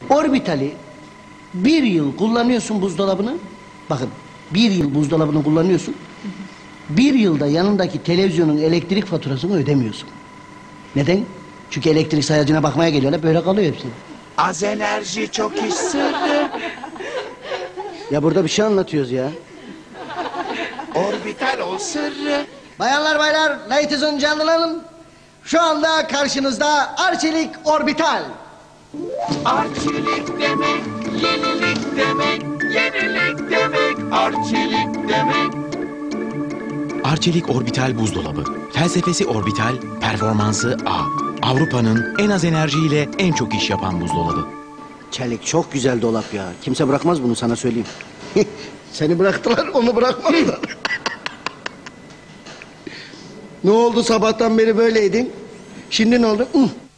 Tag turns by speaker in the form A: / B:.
A: Orbitali bir yıl kullanıyorsun buzdolabını. Bakın, bir yıl buzdolabını kullanıyorsun. Bir yılda yanındaki televizyonun elektrik faturasını ödemiyorsun. Neden? Çünkü elektrik sayacına bakmaya geliyorlar, böyle kalıyor hepsi.
B: Az enerji çok iş sırrı.
A: Ya burada bir şey anlatıyoruz ya.
B: Orbital o sırrı.
A: Bayanlar baylar, ladies and gentlemen, şu anda karşınızda Arçelik Orbital.
B: Arçelik demek, yenilik demek, yenilik demek, arçelik demek.
C: Arçelik Orbital buzdolabı. Felsefesi orbital, performansı A. Avrupa'nın en az enerjiyle en çok iş yapan buzdolabı.
A: Çelik çok güzel dolap ya. Kimse bırakmaz bunu, sana söyleyeyim. Seni bıraktılar, onu bırakmadılar. Ne oldu, sabahtan beri böyleydin? Şimdi ne oldu?